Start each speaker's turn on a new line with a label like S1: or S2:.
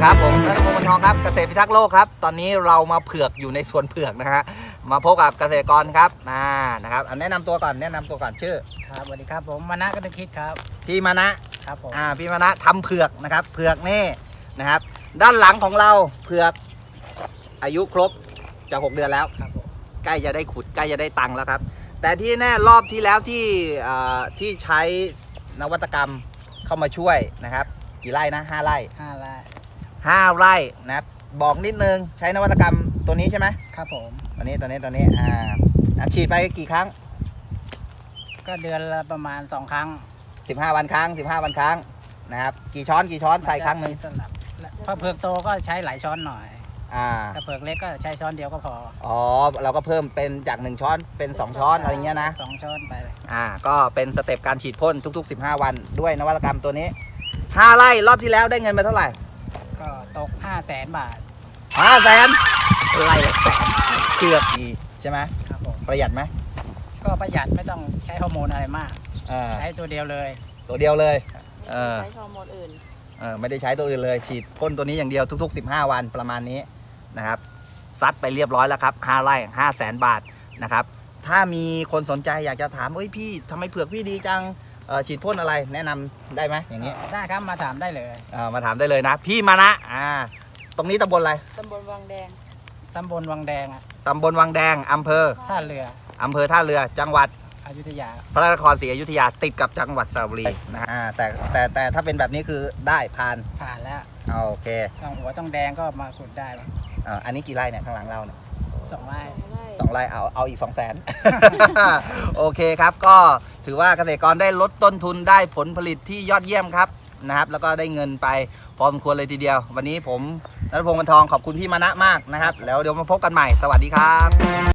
S1: ครับผมนัทพงศ์ วันทองครับเกษตรพิทักษ์โลกครับตอนนี้เรามาเผือกอยู่ในสวนเผือกนะฮะมาพบกับเกษตรกรครับนะครับแนะนำตัวก่อนชื่อ
S2: ครับสวัสดีครับผมมานะก็นึกคิดครับ
S1: พี่มานะครับ
S2: ผม
S1: พี่มานะทำเผือกนะครับเผือกนี่นะครับด้านหลังของเราเผือกอายุครบจะ6 เดือนแล้ว
S2: ครับผม
S1: ใกล้จะได้ขุดใกล้จะได้ตังค์แล้วครับแต่ที่แน่รอบที่แล้วที่ใช้นวัตกรรมเข้ามาช่วยนะครับกี่ไร่นะ5 ไร่
S2: 5 ไร่
S1: 5 ไร่นะครับบอกนิดนึงใช้นวัตกรรมตัวนี้ใช่ไหม
S2: ครับผม
S1: ตัวนี้ฉีดไปกี่ครั้ง
S2: ก็เดือนละประมาณ2 ครั้ง
S1: 15 วันครั้งนะครับกี่ช้อนใส่ครั้งหนึ่ง
S2: สลับพอเผือกโตก็ใช้หลายช้อนหน่อยถ้าเผือกเล็กก็ใช้ช้อนเดียวก็พอ
S1: เราก็เพิ่มเป็นจาก1 ช้อนเป็น2 ช้อนอะไรเงี้ยนะ
S2: 2 ช้อนไปเลย
S1: ก็เป็นสเต็ปการฉีดพ่นทุกๆ15 วันด้วยนวัตกรรมตัวนี้5 ไร่รอบที่แล้วได้เงินไปเท่าไหร่
S2: ก็ตก500,000 บาท
S1: 500,000ไร่ละ100,000เกือบดีใช่ไหม
S2: ครับผม
S1: ประหยัดไหม
S2: ก็ประหยัดไม่ต้องใช้ฮอร์โมนอะไรมากใช้ตัวเดียวเลย
S1: ไม่ได้ใช้ฮอร์โมนอื่นไม่ได้ใช้ตัวอื่นเลยฉีดพ่นตัวนี้อย่างเดียวทุกๆ15 วันประมาณนี้นะครับซัดไปเรียบร้อยแล้วครับ5 ไร่500,000 บาทนะครับถ้ามีคนสนใจอยากจะถามพี่ทำไมเผือกพี่ดีจังฉีดพ่นอะไรแนะนำได้ไหมอย่างนี้
S2: ได้ครับมาถามได้เลย
S1: มาถามได้เลยนะพี่มานะตรงนี้ตำบลอะไร
S3: ตำบลวังแดง
S2: ตำบลวังแดง
S1: อำเภอ
S2: ท่าเรือ
S1: จังหวัด
S2: อยุธยา
S1: พระนครศรีอยุธยาติดกับจังหวัดสระบุรีนะฮะแต่ถ้าเป็นแบบนี้คือได้ผ่าน
S2: แล้ว
S1: โอเค
S2: ต้องแดงก็มาขุดได้
S1: อันนี้กี่ไร่เนี่ยข้างหลังเราเนี่ย
S2: 2 ไร่
S1: เอาอีก200,000 โอเคครับก็ถือว่าเกษตรกรได้ลดต้นทุนได้ผลผลิตที่ยอดเยี่ยมครับนะครับแล้วก็ได้เงินไปพอสมควรเลยทีเดียววันนี้ผมณัฐพงศ์ วันทองขอบคุณพี่มานะมากนะครับแล้วเดี๋ยวมาพบกันใหม่สวัสดีครับ